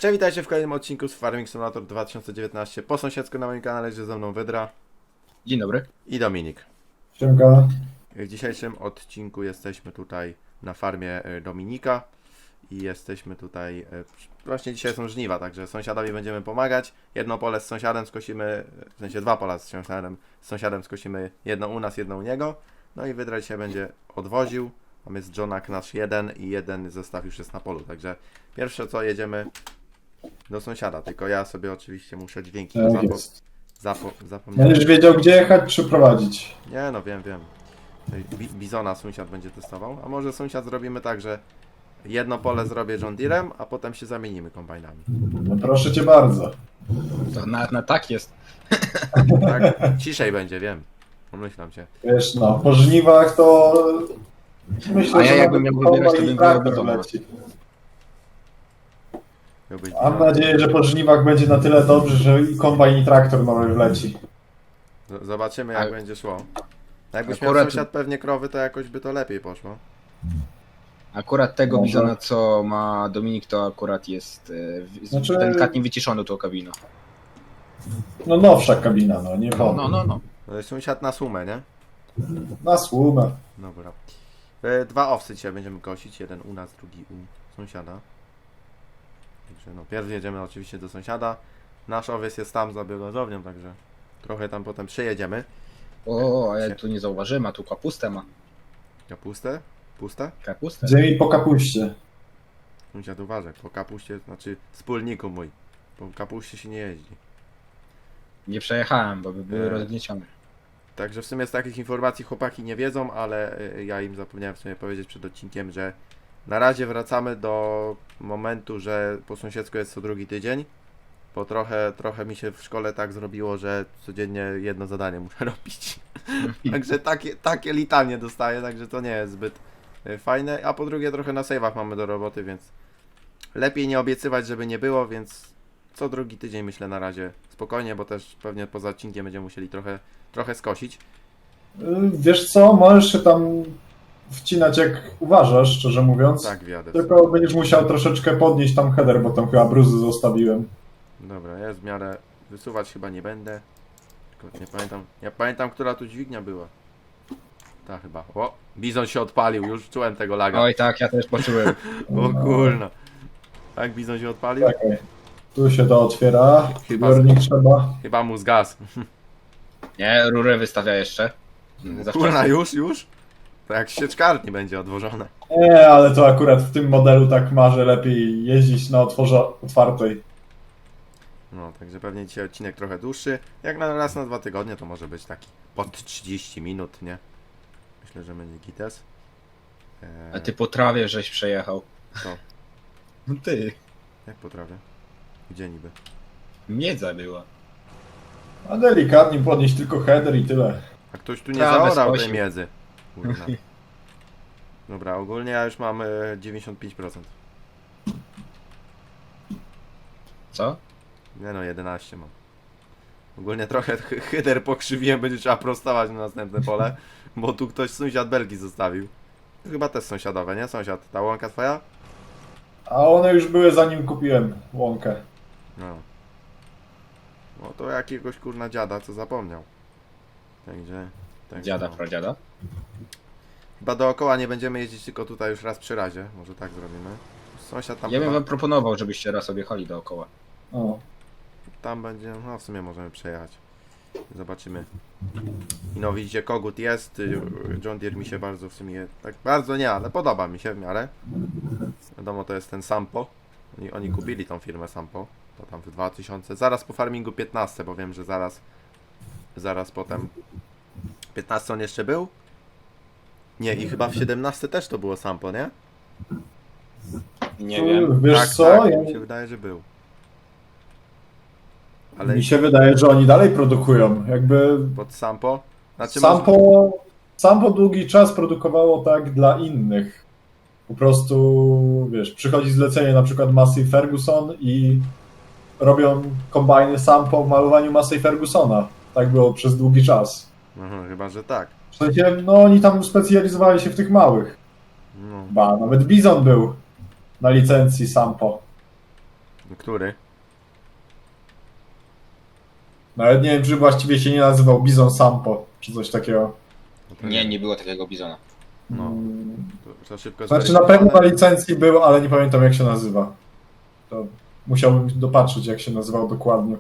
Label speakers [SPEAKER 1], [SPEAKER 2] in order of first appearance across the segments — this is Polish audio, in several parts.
[SPEAKER 1] Cześć, witajcie w kolejnym odcinku z Farming Simulator 2019. Po sąsiedzku na moim kanale jest ze mną Wydra
[SPEAKER 2] Dzień dobry.
[SPEAKER 1] i Dominik.
[SPEAKER 3] Siemka.
[SPEAKER 1] W dzisiejszym odcinku jesteśmy tutaj na farmie Dominika i jesteśmy tutaj, właśnie dzisiaj są żniwa, także sąsiadowi będziemy pomagać. Jedno pole z sąsiadem skosimy, w sensie dwa pola z sąsiadem skosimy, jedno u nas, jedno u niego. No i Wydra dzisiaj będzie odwoził. Tam jest Johnak nasz jeden i jeden zestaw już jest na polu, także pierwsze co jedziemy do sąsiada, tylko ja sobie oczywiście muszę dźwięki
[SPEAKER 3] Tak jest.
[SPEAKER 1] zapomniałem.
[SPEAKER 3] Będziesz wiedział, gdzie jechać, czy prowadzić.
[SPEAKER 1] Nie no, wiem. Tutaj Bizona sąsiad będzie testował, a może sąsiad zrobimy tak, że jedno pole zrobię John Deerem, a potem się zamienimy kombajnami.
[SPEAKER 3] No proszę cię bardzo.
[SPEAKER 2] To na tak jest.
[SPEAKER 1] Tak? Ciszej będzie, wiem. Pomyślam cię.
[SPEAKER 3] Wiesz, no, po żniwach to... Myślę,
[SPEAKER 2] A ja
[SPEAKER 3] że
[SPEAKER 2] jakbym
[SPEAKER 3] nawet
[SPEAKER 2] miał wybierać, to
[SPEAKER 3] kombajn
[SPEAKER 2] bym
[SPEAKER 3] i traktor
[SPEAKER 2] wybrał Bizona.
[SPEAKER 3] leci.
[SPEAKER 1] Miałbyś
[SPEAKER 3] Mam
[SPEAKER 1] Bizona.
[SPEAKER 3] nadzieję, że po żniwach będzie na tyle dobrze, że i kombajn i traktor nowy wleci.
[SPEAKER 1] Zobaczymy jak
[SPEAKER 2] Ale-
[SPEAKER 1] będzie szło. Jakbyś miał
[SPEAKER 2] Akurat-
[SPEAKER 1] sąsiad pewnie krowy, to jakoś by to lepiej poszło.
[SPEAKER 2] Akurat tego
[SPEAKER 3] Może.
[SPEAKER 2] Bizona, co ma Dominik, to akurat jest
[SPEAKER 3] Znaczy-
[SPEAKER 2] delikatnie wyciszony tą kabiną.
[SPEAKER 3] No nowsza kabina, no, nie
[SPEAKER 2] No,
[SPEAKER 3] wolno.
[SPEAKER 2] no.
[SPEAKER 1] To jest sąsiad na sumę, nie?
[SPEAKER 3] Na słumę.
[SPEAKER 1] Dobra. Dwa owcy dzisiaj będziemy kosić, jeden u nas, drugi u sąsiada. Także no, pierw jedziemy oczywiście do sąsiada. Nasz owiec jest tam za biogazownią, także trochę tam potem przejedziemy.
[SPEAKER 2] O, a ja tu nie zauważyłem, a tu kapustę ma.
[SPEAKER 1] Kapustę? Puste?
[SPEAKER 2] Kapustę?
[SPEAKER 3] Ziemi po kapuście.
[SPEAKER 1] Sąsiad uważaj, po kapuście, znaczy wspólniku mój. Po kapuście się nie jeździ.
[SPEAKER 2] Nie przejechałem, bo by były
[SPEAKER 1] Nie.
[SPEAKER 2] rozgniecione.
[SPEAKER 1] Także w sumie z takich informacji chłopaki nie wiedzą, ale ja im zapomniałem w sumie powiedzieć przed odcinkiem, że na razie wracamy do momentu, że po sąsiedzku jest co drugi tydzień, bo trochę mi się w szkole tak zrobiło, że codziennie jedno zadanie muszę robić. Także takie litanie dostaję, także to nie jest zbyt fajne, a po drugie trochę na save'ach mamy do roboty, więc lepiej nie obiecywać, żeby nie było, więc co drugi tydzień myślę na razie spokojnie, bo też pewnie poza odcinkiem będziemy musieli trochę skosić.
[SPEAKER 3] Wiesz co, możesz się tam wcinać jak uważasz, szczerze mówiąc.
[SPEAKER 1] Tak, wjadę.
[SPEAKER 3] Tylko będziesz musiał troszeczkę podnieść tam header, bo tam chyba bruzy zostawiłem.
[SPEAKER 1] Dobra, ja w miarę wysuwać chyba nie będę. Tylko nie pamiętam, która tu dźwignia była. Ta chyba. O, Bizon się odpalił, już czułem tego laga.
[SPEAKER 2] Oj tak, ja też poczułem.
[SPEAKER 1] O kurno. Tak, Bizon się odpalił?
[SPEAKER 3] Czekaj. Tu się to otwiera.
[SPEAKER 1] Chyba
[SPEAKER 3] Zbiornik trzeba.
[SPEAKER 1] Chyba mu zgasł.
[SPEAKER 2] Nie, rurę wystawia jeszcze. Za
[SPEAKER 1] Kurna,
[SPEAKER 2] wcześnie.
[SPEAKER 1] już? To jak sieczkarni będzie odwożone.
[SPEAKER 3] Nie, ale to akurat w tym modelu tak ma, że lepiej jeździć na otwartej.
[SPEAKER 1] No, także pewnie dzisiaj odcinek trochę dłuższy. Jak na raz na 2 tygodnie to może być taki pod 30 minut, nie? Myślę, że będzie gites.
[SPEAKER 2] A ty po trawie żeś przejechał.
[SPEAKER 1] Co?
[SPEAKER 2] No ty.
[SPEAKER 1] Jak potrafię? Gdzie niby?
[SPEAKER 2] Miedza była.
[SPEAKER 3] A delikatnie podnieść tylko header i tyle.
[SPEAKER 1] A ktoś tu nie
[SPEAKER 2] Trawę
[SPEAKER 1] zaorał tej
[SPEAKER 2] skosił.
[SPEAKER 1] miedzy. Kurna. Dobra, ogólnie ja już mam 95%.
[SPEAKER 2] Co?
[SPEAKER 1] Nie no, 11 mam. Ogólnie trochę hyder pokrzywiłem, będzie trzeba prostować na następne pole, bo tu ktoś sąsiad belki zostawił. Chyba też sąsiadowe, nie? Sąsiad, ta łąka twoja?
[SPEAKER 3] A one już były zanim kupiłem łąkę.
[SPEAKER 1] No. No to jakiegoś kurna dziada, co zapomniał. Także...
[SPEAKER 2] Dziada,
[SPEAKER 1] no.
[SPEAKER 2] pradziada.
[SPEAKER 1] Chyba dookoła nie będziemy jeździć, tylko tutaj już raz przy razie. Może tak zrobimy. Sąsiad tam
[SPEAKER 2] Ja bym
[SPEAKER 1] chyba,
[SPEAKER 2] wam proponował, żebyście raz objechali dookoła.
[SPEAKER 3] O.
[SPEAKER 1] tam będzie, no w sumie możemy przejechać. Zobaczymy. I no widzicie, kogut jest. John Deere mi się bardzo w sumie, tak bardzo nie, ale podoba mi się w miarę. Wiadomo, to jest ten Sampo. Oni kupili tą firmę Sampo. To tam w 2000, zaraz po farmingu 15, bo wiem, że zaraz potem 15 on jeszcze był? Nie, i chyba w 17 też to było Sampo, nie?
[SPEAKER 2] Nie wiem.
[SPEAKER 3] Wiesz
[SPEAKER 1] tak,
[SPEAKER 3] co?
[SPEAKER 1] tak,
[SPEAKER 3] Ja,
[SPEAKER 1] mi się wydaje, że był. Ale
[SPEAKER 3] mi się wydaje, że oni dalej produkują. Jakby
[SPEAKER 1] pod Sampo? Znaczy
[SPEAKER 3] Sampo długi czas produkowało tak dla innych. Po prostu, wiesz, przychodzi zlecenie na przykład Massey Ferguson i robią kombajny Sampo w malowaniu Massey Fergusona. Tak było przez długi czas.
[SPEAKER 1] Chyba, że tak.
[SPEAKER 3] W sensie, no oni tam specjalizowali się w tych małych.
[SPEAKER 1] No.
[SPEAKER 3] Ba, nawet Bizon był na licencji Sampo.
[SPEAKER 1] Który?
[SPEAKER 3] Nawet nie wiem, czy właściwie się nie nazywał Bizon Sampo, czy coś takiego.
[SPEAKER 1] No to
[SPEAKER 2] Nie było takiego bizona.
[SPEAKER 1] No.
[SPEAKER 3] Mm,
[SPEAKER 1] To szybko
[SPEAKER 3] Znaczy na pewno na
[SPEAKER 1] zweryfikowane.
[SPEAKER 3] licencji był, ale nie pamiętam jak się nazywa. To musiałbym dopatrzeć jak się nazywał dokładnie.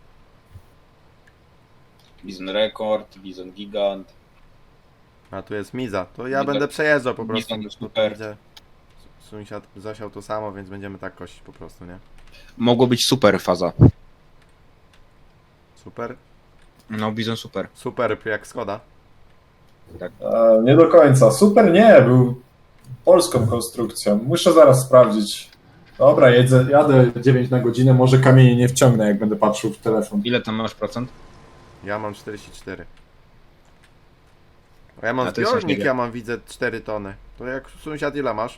[SPEAKER 2] Bizon Rekord, bizon Gigant.
[SPEAKER 1] A tu jest Miza. To ja
[SPEAKER 2] Miza-
[SPEAKER 1] będę przejeżdżał po prostu.
[SPEAKER 2] Miza
[SPEAKER 1] Bo tu
[SPEAKER 2] super.
[SPEAKER 1] widzę, sąsiad zasiał to samo, więc będziemy tak kosić po prostu, nie?
[SPEAKER 2] Mogło być super faza.
[SPEAKER 1] Super.
[SPEAKER 2] No, bizon super.
[SPEAKER 1] Super jak Skoda.
[SPEAKER 3] Nie do końca. Super nie, był polską konstrukcją. Muszę zaraz sprawdzić. Dobra, jadę 9 na godzinę, może kamienie nie wciągnę jak będę patrzył w telefon.
[SPEAKER 2] Ile tam masz procent?
[SPEAKER 1] Ja mam 44. A ja mam
[SPEAKER 2] A to jest coś
[SPEAKER 1] zbiornik,
[SPEAKER 2] nie
[SPEAKER 1] ja mam widzę 4 tony. To jak sąsiad ile masz?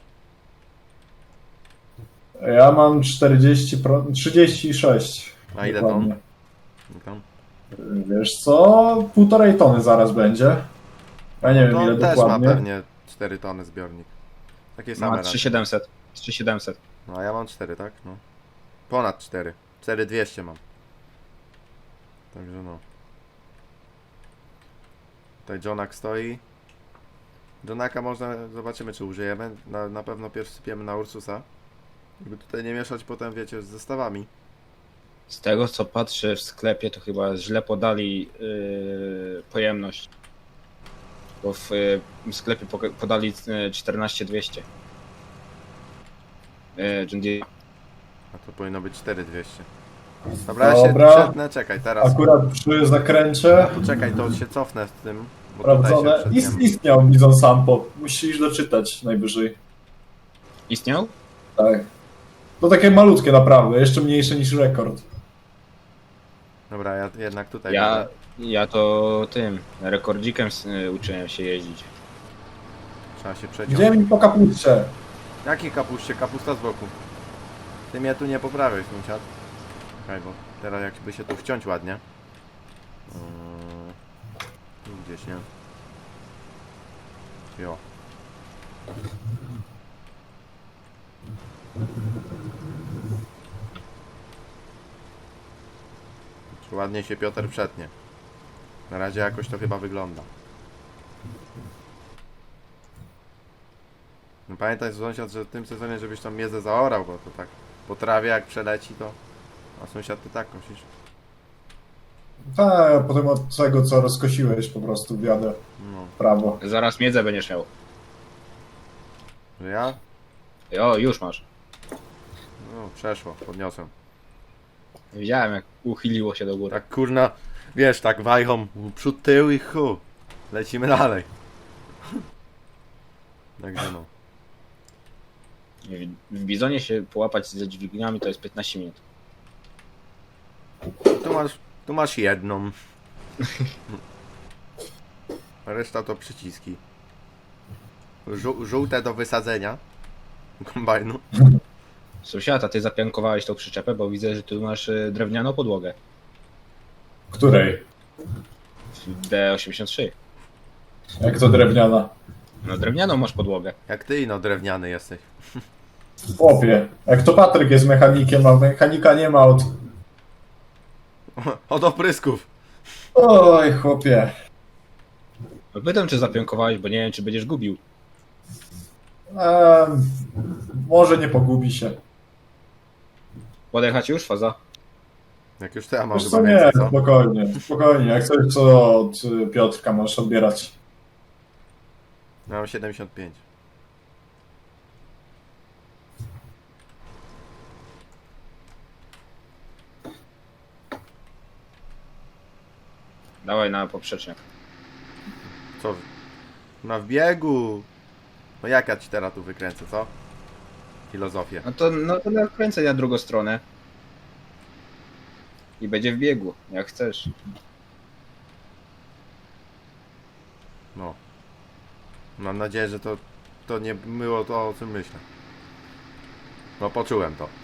[SPEAKER 3] Ja mam 36.
[SPEAKER 1] A ile
[SPEAKER 3] dokładnie.
[SPEAKER 1] ton? Tam.
[SPEAKER 3] Wiesz co? 1,5 tony zaraz będzie. Ja nie wiem
[SPEAKER 1] To
[SPEAKER 3] ile
[SPEAKER 1] on też
[SPEAKER 3] dokładnie.
[SPEAKER 1] ma pewnie 4 tony zbiornik. Takie same
[SPEAKER 2] Ma
[SPEAKER 1] raczej.
[SPEAKER 2] 3700. 3700.
[SPEAKER 1] No a ja mam 4, tak? No. Ponad 4. 4200 mam. Także no. Tutaj Johnak stoi. Johnaka można, zobaczymy czy użyjemy. Na pewno pierwszy sypiemy na Ursusa. Żeby tutaj nie mieszać potem, wiecie, z zestawami.
[SPEAKER 2] Z tego co patrzę w sklepie, to chyba źle podali pojemność. Bo w sklepie podali 14200. John Deere.
[SPEAKER 1] A to powinno być 4200. Dobra, ja się
[SPEAKER 3] Dobra.
[SPEAKER 1] przetnę, czekaj, teraz.
[SPEAKER 3] Akurat przy zakręcie
[SPEAKER 1] Poczekaj, to się cofnę z tym. Bo tutaj
[SPEAKER 3] sprawdzone.
[SPEAKER 1] się przetniemy.
[SPEAKER 3] Istniał Bizon Sampo. Musisz doczytać najwyżej.
[SPEAKER 2] Istniał?
[SPEAKER 3] Tak. To takie malutkie naprawdę, jeszcze mniejsze niż rekord.
[SPEAKER 1] Dobra, ja jednak tutaj
[SPEAKER 2] Ja,
[SPEAKER 1] będę.
[SPEAKER 2] ja to tym rekordzikiem uczyłem się jeździć.
[SPEAKER 1] Trzeba się przeciąć.
[SPEAKER 3] Gdzie mi po kapuście?
[SPEAKER 1] Jaki kapuście? Kapusta z boku. Ty mnie tu nie poprawiaj, sąsiad. Czekaj, bo teraz jakby się tu wciąć ładnie. Tu gdzieś, nie? Jo. Czy ładnie się Piotr przetnie. Na razie jakoś to chyba wygląda. No pamiętaj sąsiad, że w tym sezonie żebyś tam miedzę zaorał, bo to tak po trawie jak przeleci to... A sąsiad ty tak kosisz.
[SPEAKER 3] Tak, potem od tego co rozkosiłeś po prostu wjadę
[SPEAKER 1] No,
[SPEAKER 3] w prawo.
[SPEAKER 2] Zaraz miedzę będziesz miał.
[SPEAKER 1] że ja?
[SPEAKER 2] O, już masz.
[SPEAKER 1] No, przeszło, podniosłem.
[SPEAKER 2] Widziałem jak uchyliło się do góry.
[SPEAKER 1] Tak kurna, wiesz, tak wajchą przód, tył i chu. Lecimy dalej. Także no.
[SPEAKER 2] W bizonie się połapać ze dźwigniami to jest 15 minut.
[SPEAKER 1] Tu masz jedną. A reszta to przyciski. Żółte do wysadzenia. Kombajnu.
[SPEAKER 2] Sąsiad, a ty zapiankowałeś tą przyczepę, bo widzę, że tu masz drewnianą podłogę.
[SPEAKER 3] Której?
[SPEAKER 2] W D83.
[SPEAKER 3] Jak to drewniana?
[SPEAKER 2] No drewnianą masz podłogę.
[SPEAKER 1] Jak ty no drewniany jesteś.
[SPEAKER 3] Chłopie, jak to Patryk jest mechanikiem, a mechanika nie ma od...
[SPEAKER 1] Od oprysków.
[SPEAKER 3] Oj, chłopie.
[SPEAKER 2] No pytam, czy zapiankowałeś, bo nie wiem, czy będziesz gubił.
[SPEAKER 3] Może nie pogubi się.
[SPEAKER 2] Podjechać już, faza?
[SPEAKER 1] Jak już to ja mam
[SPEAKER 3] Wiesz
[SPEAKER 1] chyba
[SPEAKER 3] co, nie,
[SPEAKER 1] więcej, co?
[SPEAKER 3] spokojnie, spokojnie. Jak coś co od Piotrka możesz odbierać.
[SPEAKER 1] Ja mam 75.
[SPEAKER 2] Dawaj na poprzeczniak.
[SPEAKER 1] Co? Na wbiegu. No jak ja ci teraz tu wykręcę, co? Filozofię.
[SPEAKER 2] No to kręcę na drugą stronę. I będzie w biegu, jak chcesz.
[SPEAKER 1] No. Mam nadzieję, że to nie było to, o czym myślę. No poczułem to.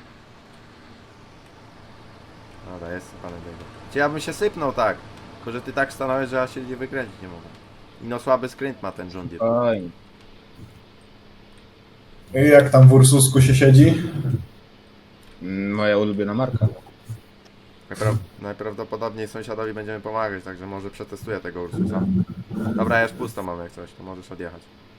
[SPEAKER 1] Dobra, jest sypane biegu. Czy ja bym się sypnął tak? Tylko, że ty tak stanąłeś, że ja się nie wykręcić nie mogę. I no słaby skręt ma ten John Deere.
[SPEAKER 2] Oj.
[SPEAKER 3] I jak tam w Ursusku się siedzi?
[SPEAKER 2] Moja ulubiona marka.
[SPEAKER 1] Najprawdopodobniej sąsiadowi będziemy pomagać, także może przetestuję tego Ursusa. Dobra, ja już pusto mam jak coś, to możesz odjechać.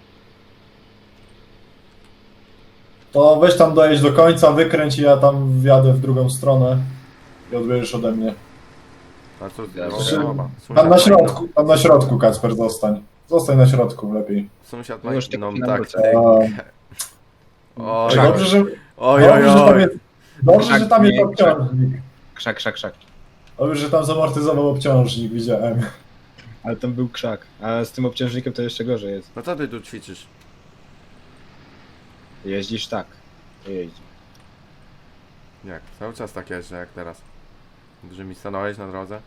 [SPEAKER 3] To weź tam dojedź do końca, wykręć i ja tam wjadę w drugą stronę i odbierzesz ode mnie.
[SPEAKER 1] A co,
[SPEAKER 2] Dobrze.
[SPEAKER 1] oba.
[SPEAKER 3] Tam na środku, Kacper, zostań. Zostań na środku, lepiej.
[SPEAKER 1] Sąsiad
[SPEAKER 2] No
[SPEAKER 1] ma
[SPEAKER 2] już
[SPEAKER 1] inną
[SPEAKER 2] tylko
[SPEAKER 1] taktykę. Oj,
[SPEAKER 2] Krzak.
[SPEAKER 3] Dobrze, że,
[SPEAKER 1] oj,
[SPEAKER 3] dobrze, że tam jest, dobrze,
[SPEAKER 2] Krzak,
[SPEAKER 3] że tam jest
[SPEAKER 2] nie,
[SPEAKER 3] obciążnik.
[SPEAKER 2] Krzak.
[SPEAKER 3] Dobrze, że tam zamortyzował obciążnik, widziałem.
[SPEAKER 2] Ale tam był krzak. A z tym obciążnikiem to jeszcze gorzej jest.
[SPEAKER 1] No co ty tu ćwiczysz?
[SPEAKER 2] Jeździsz tak. To jeździ.
[SPEAKER 1] Jak? Cały czas tak jeżdżę jak teraz. Że mi stanąłeś na drodze?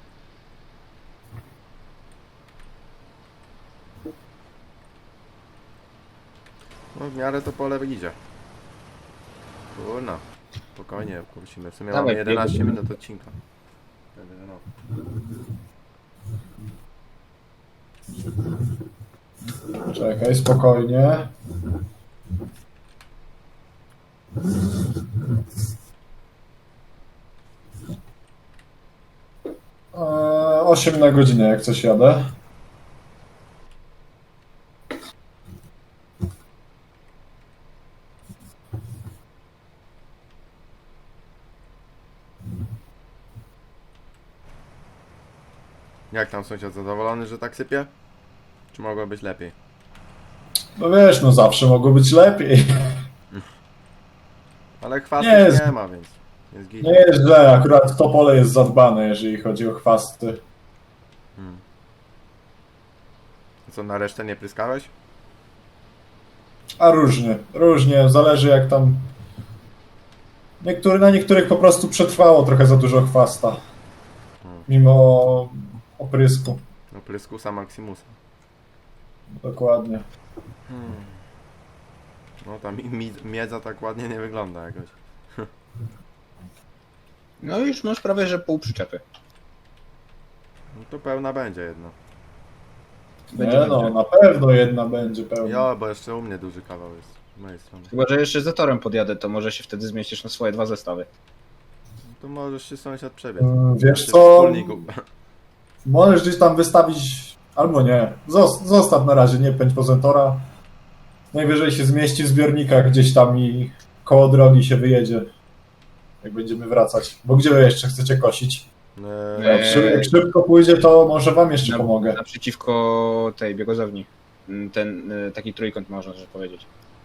[SPEAKER 1] No w miarę to pole idzie. Kurna. Spokojnie, musimy. W sumie
[SPEAKER 2] Dawaj,
[SPEAKER 1] mamy 11
[SPEAKER 2] biegniemy.
[SPEAKER 1] minut odcinka. Także no.
[SPEAKER 3] Czekaj, spokojnie. 8 na godzinę, jak coś jadę.
[SPEAKER 1] Jak tam sąsiad zadowolony, że tak sypie? Czy mogło być lepiej?
[SPEAKER 3] No wiesz, no zawsze mogło być lepiej.
[SPEAKER 1] Ale chwasty
[SPEAKER 3] Nie jest-
[SPEAKER 1] nie ma, więc jest git.
[SPEAKER 3] Nie jest źle, akurat to pole jest zadbane, jeżeli chodzi o chwasty.
[SPEAKER 1] Co, na resztę nie pryskałeś?
[SPEAKER 3] A różnie, zależy jak tam... Na niektórych po prostu przetrwało trochę za dużo chwasta. Mimo oprysku,
[SPEAKER 1] No pryskusa Maximusa.
[SPEAKER 3] dokładnie.
[SPEAKER 1] No ta miedza tak ładnie nie wygląda jakoś.
[SPEAKER 2] No już masz prawie, że pół przyczepy.
[SPEAKER 1] No to pełna będzie jedna.
[SPEAKER 2] Będzie
[SPEAKER 3] Nie no,
[SPEAKER 2] dobrze.
[SPEAKER 3] na pewno jedna będzie pełna.
[SPEAKER 1] Jo, bo jeszcze u mnie duży kawał jest. Z mojej strony.
[SPEAKER 2] Chyba, że jeszcze za torem podjadę, to może się wtedy zmieścisz na swoje 2 zestawy.
[SPEAKER 1] No to możesz się sąsiad przebiec.
[SPEAKER 3] Wiesz
[SPEAKER 1] Ty
[SPEAKER 3] co,
[SPEAKER 1] wspólniku.
[SPEAKER 3] możesz gdzieś tam wystawić, albo nie. Zostaw na razie, nie pędź poza tora. Najwyżej się zmieści w zbiornikach gdzieś tam i koło drogi się wyjedzie. Jak będziemy wracać. Bo gdzie wy jeszcze chcecie kosić? Jak szybko pójdzie, to może wam jeszcze pomogę.
[SPEAKER 2] Naprzeciwko tej biegozowni. Ten taki trójkąt można że powiedzieć.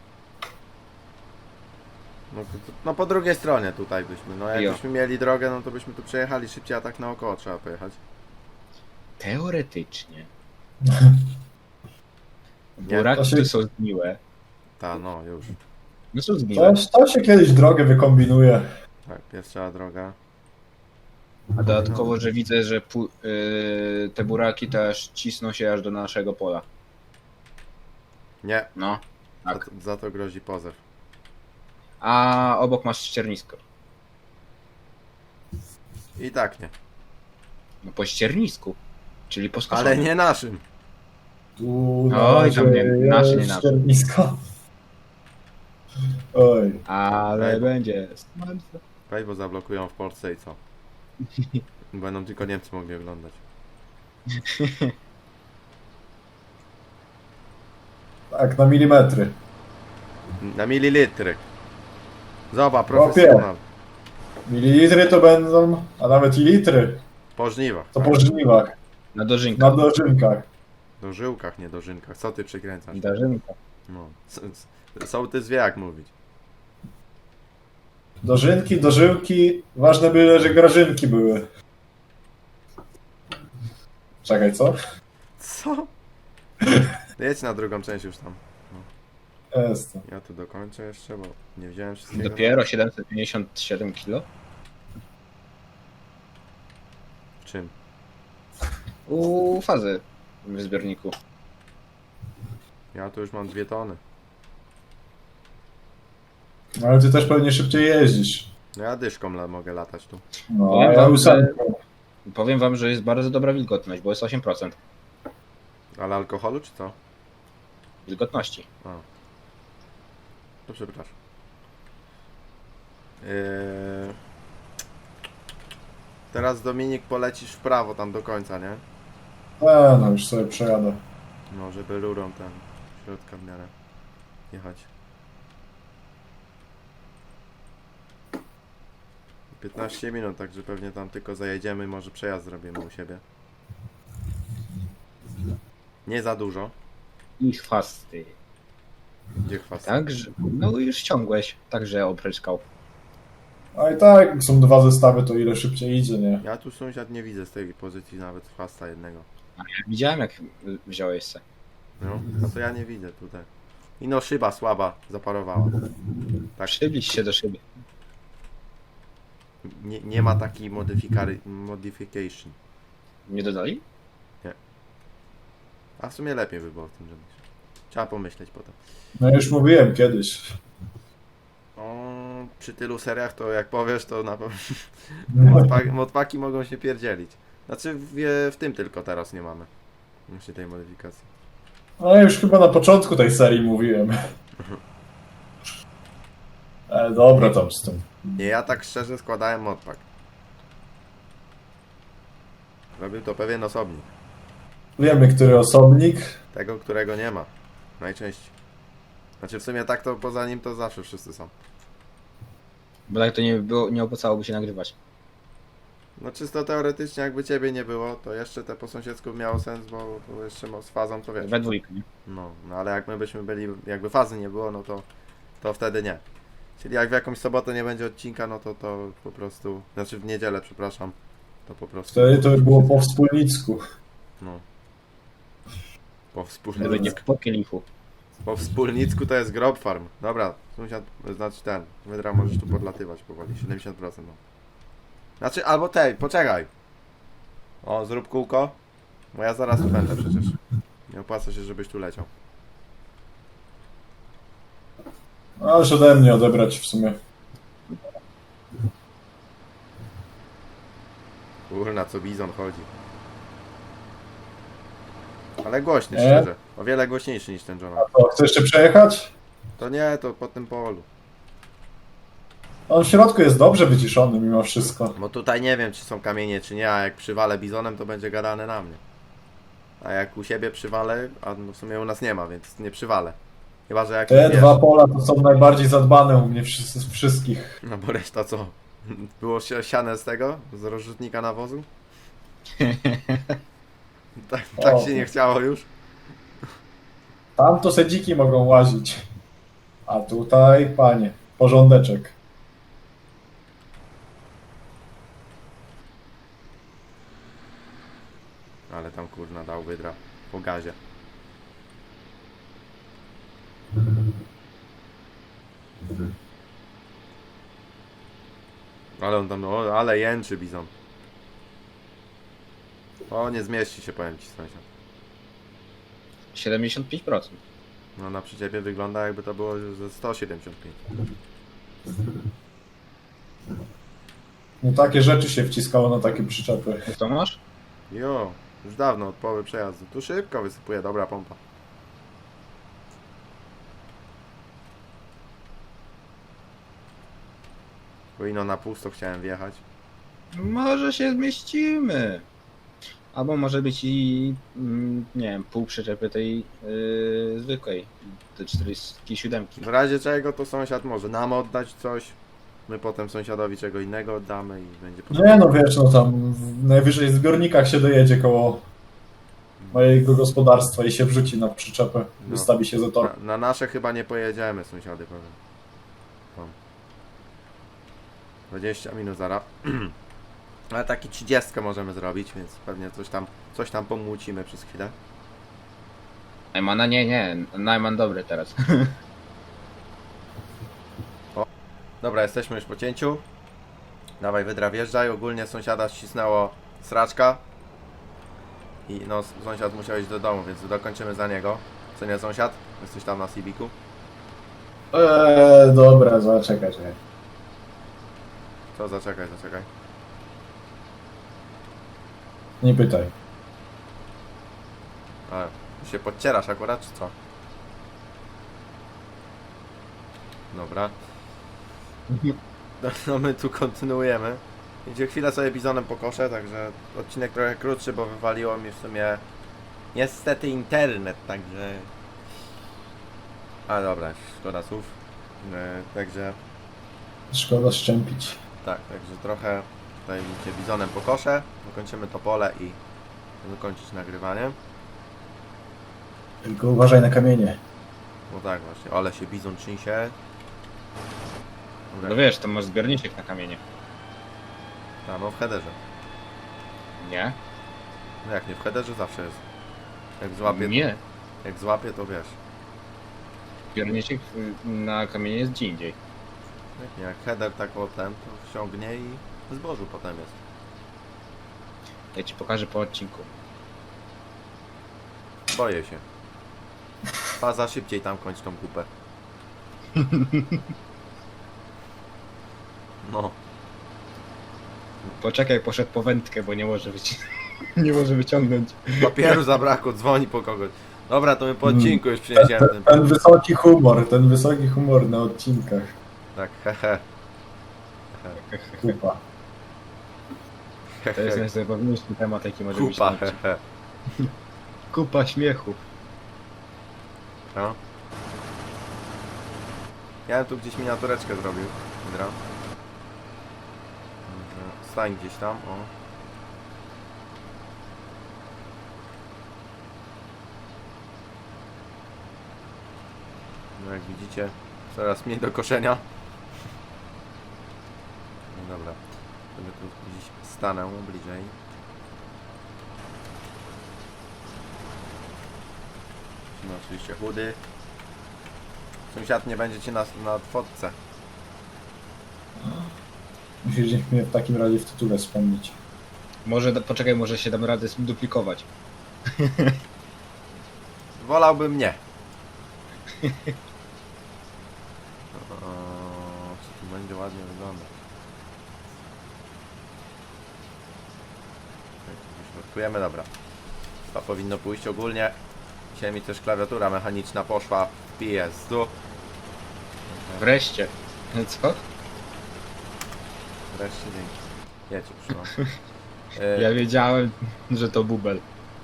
[SPEAKER 1] No po drugiej stronie tutaj byśmy. No
[SPEAKER 2] Jo.
[SPEAKER 1] jakbyśmy mieli drogę, no to byśmy tu przejechali szybciej, a tak naokoło trzeba pojechać.
[SPEAKER 2] Teoretycznie.
[SPEAKER 1] Nie,
[SPEAKER 2] Buraki
[SPEAKER 3] to się-
[SPEAKER 2] to są zgniłe.
[SPEAKER 1] Ta, no już.
[SPEAKER 2] No są zgniłe.
[SPEAKER 3] To się kiedyś drogę wykombinuje.
[SPEAKER 1] Tak, pierwsza droga.
[SPEAKER 2] A dodatkowo, że widzę, że te buraki też cisną się aż do naszego pola.
[SPEAKER 1] Nie,
[SPEAKER 2] No, tak.
[SPEAKER 1] za to grozi pozew.
[SPEAKER 2] A obok masz ściernisko.
[SPEAKER 1] I tak nie.
[SPEAKER 2] No po ściernisku. Czyli po skoszonym.
[SPEAKER 1] Ale nie naszym.
[SPEAKER 3] Tu
[SPEAKER 2] Oj, tam nie,
[SPEAKER 3] jest
[SPEAKER 2] nasze, nie nasze.
[SPEAKER 3] ściernisko. Oj.
[SPEAKER 2] Ale
[SPEAKER 1] Ej.
[SPEAKER 2] będzie.
[SPEAKER 1] Weź, bo zablokują w Polsce i co? Będą tylko Niemcy mogli oglądać.
[SPEAKER 3] Tak, na milimetry.
[SPEAKER 1] Na mililitry. Zobacz, profesjonal.
[SPEAKER 3] Mililitry to będą, a nawet i litry.
[SPEAKER 1] Po żniwach.
[SPEAKER 3] To po żniwach,
[SPEAKER 2] Na dożynkę.
[SPEAKER 3] na dożynkach.
[SPEAKER 1] Do żyłkach, nie do żynkach. Co ty przykręcasz?
[SPEAKER 2] Dożynka.
[SPEAKER 1] No. Sołtys wie jak mówić.
[SPEAKER 3] Dożynki, dożyłki, ważne byle, że grażynki były. Czekaj, co?
[SPEAKER 1] Co? Jedź na drugą część już tam.
[SPEAKER 3] Jest.
[SPEAKER 1] Ja tu dokończę jeszcze, bo nie wziąłem wszystkiego.
[SPEAKER 2] Dopiero 757 kg?
[SPEAKER 1] W czym?
[SPEAKER 2] U fazy w zbiorniku.
[SPEAKER 1] Ja tu już mam 2 tony.
[SPEAKER 3] No, ale ty też pewnie szybciej jeździsz.
[SPEAKER 1] No ja dyszką mogę latać tu.
[SPEAKER 3] No,
[SPEAKER 2] Powiem
[SPEAKER 3] a ja
[SPEAKER 2] wam,
[SPEAKER 3] ósemką.
[SPEAKER 2] Powiem wam, że jest bardzo dobra wilgotność, bo jest 8%
[SPEAKER 1] Ale alkoholu czy co?
[SPEAKER 2] wilgotności.
[SPEAKER 1] A. To przepraszam. Teraz Dominik polecisz w prawo tam do końca, nie?
[SPEAKER 3] No już sobie przejadę.
[SPEAKER 1] No, żeby rurą ten środka w miarę jechać. 15 minut, także pewnie tam tylko zajedziemy, może przejazd zrobimy u siebie. Nie za dużo.
[SPEAKER 2] I chwasty.
[SPEAKER 1] Gdzie chwast?
[SPEAKER 2] Także, no już ściągłeś, także opryczkał.
[SPEAKER 3] A i tak, jak są dwa zestawy, to ile szybciej idzie, nie?
[SPEAKER 1] Ja tu sąsiad nie widzę z tej pozycji nawet chwasta jednego.
[SPEAKER 2] Ja widziałem jak wziąłeś se.
[SPEAKER 1] No, a to ja nie widzę tutaj. I no szyba słaba zaparowała. Tak,
[SPEAKER 2] Przybliż się do szyby.
[SPEAKER 1] nie ma takiej modification.
[SPEAKER 2] Nie dodali?
[SPEAKER 1] A w sumie lepiej by było w tym, żebyś. Trzeba pomyśleć potem.
[SPEAKER 3] No już mówiłem kiedyś.
[SPEAKER 1] O, przy tylu seriach to jak powiesz, to na pewno
[SPEAKER 3] No,
[SPEAKER 1] modpaki mogą się pierdzielić. Znaczy w tym tylko teraz nie mamy. Właśnie tej modyfikacji.
[SPEAKER 3] ale już chyba na początku tej serii mówiłem. Ale dobra tam z tym.
[SPEAKER 1] Nie, ja tak szczerze składałem modpak. Robił to pewien osobnik.
[SPEAKER 3] Wiemy, który osobnik.
[SPEAKER 1] Tego, którego nie ma. Najczęściej. Znaczy w sumie tak to poza nim to zawsze wszyscy są.
[SPEAKER 2] Bo tak to nie było, nie opłacałoby się nagrywać.
[SPEAKER 1] No czysto teoretycznie jakby ciebie nie było, to jeszcze te po sąsiedzku miało sens, bo jeszcze z fazą to wiesz.
[SPEAKER 2] We dwójkę, nie?
[SPEAKER 1] No ale jak my byśmy byli, jakby fazy nie było, no to wtedy nie. Czyli jak w jakąś sobotę nie będzie odcinka, no to po prostu, znaczy w niedzielę, przepraszam, to po prostu.
[SPEAKER 3] Wtedy to by było po wspólnicku.
[SPEAKER 1] No. Po
[SPEAKER 2] Wtedy będzie
[SPEAKER 1] wspólnicku.
[SPEAKER 2] po kielichu.
[SPEAKER 1] Po wspólnicku to jest grob farm. Dobra, sąsiad, znaczy ten, wydra możesz tu podlatywać powoli, 70%. No. Znaczy, albo tej, poczekaj. O, zrób kółko. Bo ja zaraz tu będę przecież. Nie opłaca się, żebyś tu leciał.
[SPEAKER 3] Ależ ode mnie odebrać w sumie.
[SPEAKER 1] Kurna, co bizon chodzi. Ale głośny,
[SPEAKER 3] Nie?
[SPEAKER 1] szczerze. O wiele głośniejszy niż ten John.
[SPEAKER 3] O, chcesz jeszcze przejechać?
[SPEAKER 1] To nie, to po tym polu.
[SPEAKER 3] On w środku jest dobrze wyciszony mimo wszystko.
[SPEAKER 1] Bo tutaj nie wiem, czy są kamienie, czy nie, a jak przywalę bizonem, to będzie gadane na mnie. A jak u siebie przywalę, a no w sumie u nas nie ma, więc nie przywalę. Chyba, że jak
[SPEAKER 3] Te dwa pola to są najbardziej zadbane u mnie z wszystkich.
[SPEAKER 1] No bo reszta co? Było siane z tego? Z rozrzutnika nawozu? Tak
[SPEAKER 3] O.
[SPEAKER 1] się nie chciało już?
[SPEAKER 3] Tam to se dziki mogą łazić. A tutaj, panie, porządeczek.
[SPEAKER 1] Ale tam kurna dał wydra po gazie. Ale on tam, no, ale jęczy bizon. O, nie zmieści się, powiem ci, sąsiad.
[SPEAKER 2] 75%.
[SPEAKER 1] No na przyczepie wygląda jakby to było ze 175.
[SPEAKER 3] No takie rzeczy się wciskało na takie przyczepy.
[SPEAKER 2] Co masz?
[SPEAKER 1] Jo, już dawno od połowy przejazdu. Tu szybko wysypuje, dobra pompa. Bo ino na pusto chciałem wjechać.
[SPEAKER 2] Może się zmieścimy. Albo może być i, nie wiem, pół przyczepy tej zwykłej, tej 47.
[SPEAKER 1] W razie czego to sąsiad może nam oddać coś. My potem sąsiadowi czego innego oddamy i będzie
[SPEAKER 3] Nie no wiesz, no tam najwyżej w zbiornikach się dojedzie koło mojego gospodarstwa i się wrzuci na przyczepę.
[SPEAKER 1] No.
[SPEAKER 3] Wystawi się za to.
[SPEAKER 1] Na nasze chyba nie pojedziemy, sąsiady, powiem. O. 20 minut zaraz. Ale taki 30 możemy zrobić, więc pewnie coś tam pomłócimy przez chwilę.
[SPEAKER 2] Najmana nie, Najman dobry teraz.
[SPEAKER 1] Dobra, jesteśmy już po cięciu. Dawaj, wydra, wjeżdżaj. Ogólnie sąsiada ścisnęło sraczka. I no, sąsiad musiał iść do domu, więc dokończymy za niego. Co nie, sąsiad? Jesteś tam na Civicu?
[SPEAKER 3] Dobra, zaczekaj.
[SPEAKER 1] Co? Zaczekaj.
[SPEAKER 3] Nie pytaj.
[SPEAKER 1] Ale ty się podcierasz akurat, czy co? Dobra. No my tu kontynuujemy. Idzie chwilę sobie bizonem pokoszę, także odcinek trochę krótszy, bo wywaliło mi w sumie niestety internet, także... A dobra, szkoda słów. Także
[SPEAKER 3] Szkoda szczępić.
[SPEAKER 1] tak, także trochę tutaj widzicie bizonem pokoszę, dokończymy to pole i będę kończyć nagrywanie.
[SPEAKER 3] Tylko uważaj na kamienie.
[SPEAKER 1] No tak właśnie, ale się bizon trzęsie. Dobra,
[SPEAKER 2] No wiesz, to masz zbiorniczek na kamienie.
[SPEAKER 1] a no w headerze.
[SPEAKER 2] Nie?
[SPEAKER 1] No jak nie w headerze zawsze jest. Jak złapie,
[SPEAKER 2] Nie.
[SPEAKER 1] jak złapie to wiesz.
[SPEAKER 2] Zbiorniczek na kamienie jest gdzie indziej.
[SPEAKER 1] Jak nie, jak header tak o ten, to wsiągnie i w zbożu potem jest.
[SPEAKER 2] Ja ci pokażę po odcinku.
[SPEAKER 1] Boję się. Faza szybciej tam kończ tą kupę. No,
[SPEAKER 2] Poczekaj, poszedł po wędkę, bo nie może nie może wyciągnąć.
[SPEAKER 1] papieru zabrakło, dzwoni po kogoś. Dobra, to my po odcinku już przyniesiemy ten...
[SPEAKER 3] Ten wysoki humor na odcinkach.
[SPEAKER 1] Tak, hehe.
[SPEAKER 3] Kupa.
[SPEAKER 2] To jest najzabawniejszy temat, jaki może być.
[SPEAKER 1] Kupa,
[SPEAKER 2] na odcinku.
[SPEAKER 1] hehe.
[SPEAKER 2] Kupa śmiechu.
[SPEAKER 1] No. Ja bym tu gdzieś miniatureczkę zrobił. Dobra. Stań gdzieś tam, o. No jak widzicie, coraz mniej do koszenia. No dobra. Sobie tu gdzieś stanę bliżej. No oczywiście chudy. Sąsiad nie będzie cię na fotce.
[SPEAKER 3] Musisz mnie w takim razie w tytule wspomnieć.
[SPEAKER 2] Może, poczekaj, może się dam radę duplikować.
[SPEAKER 1] Wolałbym nie. Co tu będzie ładnie wyglądać. Wyśrodkujemy, dobra. To powinno pójść ogólnie. Dzisiaj mi też klawiatura mechaniczna poszła w PS-u.
[SPEAKER 2] Wreszcie. Co?
[SPEAKER 1] Wreszcie dzięki. Ja cię przyłam.
[SPEAKER 2] Ja wiedziałem, że to bubel.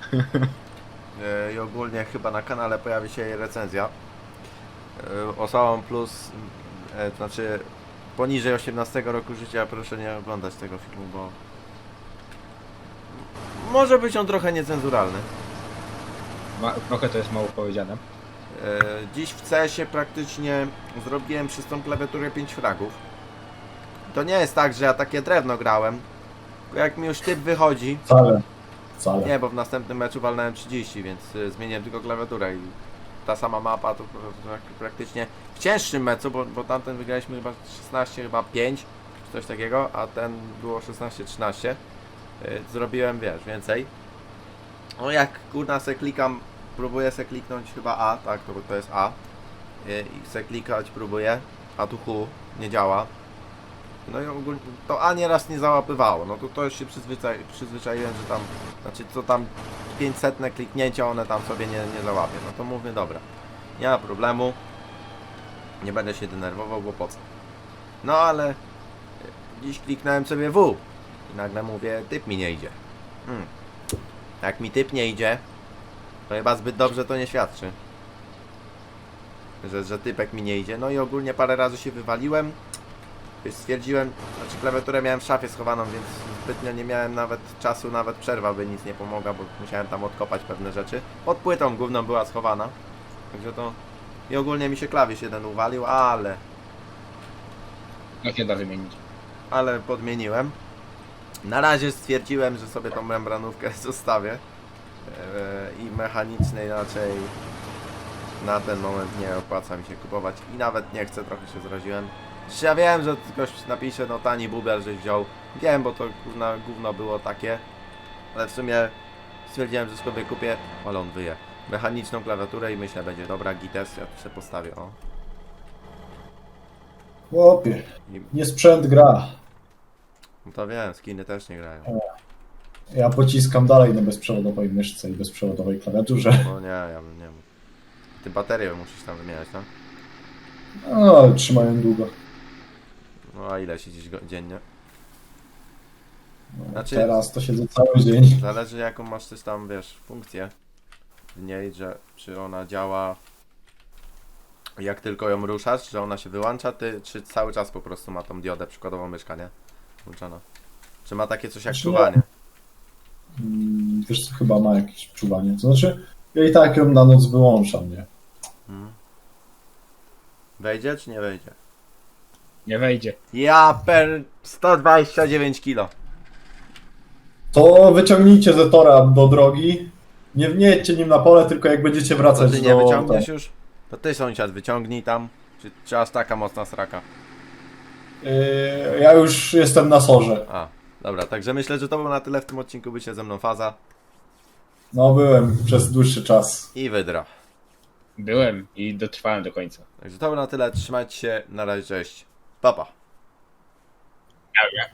[SPEAKER 1] I ogólnie chyba na kanale pojawi się jej recenzja. Osobom plus, to znaczy poniżej 18 roku życia proszę nie oglądać tego filmu, bo może być on trochę niecenzuralny.
[SPEAKER 2] Trochę to jest mało powiedziane.
[SPEAKER 1] Dziś w CS-ie praktycznie zrobiłem przez tą klawiaturę 5 fragów. To nie jest tak, że ja takie drewno grałem, tylko jak mi już typ wychodzi,
[SPEAKER 3] Wcale.
[SPEAKER 1] nie, bo w następnym meczu walnąłem 30, więc zmieniłem tylko klawiaturę i ta sama mapa to praktycznie w cięższym meczu, bo tamten wygraliśmy chyba 16, chyba 5, czy coś takiego, a ten było 16-13. Zrobiłem, wiesz, więcej. No jak kurna se klikam, próbuję se kliknąć chyba A, tak, to jest A. I se klikać próbuję, a tu Hu nie działa. No i ogólnie to A nieraz nie załapywało, no to już się przyzwyczaiłem, że tam, znaczy co tam 500 kliknięcia one tam sobie nie załapię, no to mówię dobra, nie ma problemu, nie będę się denerwował, bo po co. No ale dziś kliknąłem sobie W i nagle mówię, typ mi nie idzie. Jak mi typ nie idzie, to chyba zbyt dobrze to nie świadczy, że typek mi nie idzie. No i ogólnie parę razy się wywaliłem. Już stwierdziłem, znaczy klawiaturę miałem w szafie schowaną, więc zbytnio nie miałem nawet czasu, nawet przerwa by nic nie pomogła, bo musiałem tam odkopać pewne rzeczy. Pod płytą główną była schowana, także to... I ogólnie mi się klawisz jeden uwalił,
[SPEAKER 2] No się da wymienić.
[SPEAKER 1] ale podmieniłem. Na razie stwierdziłem, że sobie tą membranówkę zostawię i mechanicznej raczej na ten moment nie opłaca mi się kupować i nawet nie chcę, trochę się zraziłem. Ja wiem, że ktoś napisze, no tani bubel, żeś wziął. Wiem, bo to gówno było takie, ale w sumie stwierdziłem, że sobie kupię, ale on wyje, mechaniczną klawiaturę i myślę, będzie dobra, gites, ja tu sobie postawię, o.
[SPEAKER 3] Chłopie,
[SPEAKER 1] I,
[SPEAKER 3] nie sprzęt gra.
[SPEAKER 1] no to wiem, skiny też nie grają.
[SPEAKER 3] Ja pociskam dalej na bezprzewodowej myszce i bezprzewodowej klawiaturze.
[SPEAKER 1] No nie, ja bym nie mógł. Ty baterię musisz tam wymieniać, tak?
[SPEAKER 3] No, ale trzymają długo.
[SPEAKER 1] No a ile siedzisz dziennie?
[SPEAKER 3] No,
[SPEAKER 1] Znaczy-
[SPEAKER 3] Teraz to siedzę cały dzień.
[SPEAKER 1] Zależy jaką masz też tam, wiesz, funkcję w niej, że czy ona działa jak tylko ją ruszasz, że ona się wyłącza, czy cały czas po prostu ma tą diodę przykładową myszka, nie? Włączona. Czy ma takie coś jak
[SPEAKER 3] Znaczy,
[SPEAKER 1] czuwanie?
[SPEAKER 3] Wiesz co, chyba ma jakieś czuwanie. To znaczy, ja i tak ją na noc wyłączam, nie?
[SPEAKER 1] Hmm. Wejdzie czy nie wejdzie?
[SPEAKER 2] Nie wejdzie.
[SPEAKER 1] Ja 129 kilo.
[SPEAKER 3] To wyciągnijcie Zetora do drogi. Nie wniejdźcie nim na pole, tylko jak będziecie
[SPEAKER 1] To
[SPEAKER 3] wracać
[SPEAKER 1] ty
[SPEAKER 3] do...
[SPEAKER 1] nie wyciągniesz już? To ty sąsiad wyciągnij tam. Czy aż taka mocna sraka?
[SPEAKER 3] Ja już jestem na sorze.
[SPEAKER 1] A, dobra, także myślę, że to było na tyle w tym odcinku. Bycie ze mną Faza
[SPEAKER 3] No, byłem przez dłuższy czas.
[SPEAKER 1] i Wydra.
[SPEAKER 2] Byłem i dotrwałem do końca.
[SPEAKER 1] Także to było na tyle. Trzymajcie się. Na razie, cześć. Pa, pa.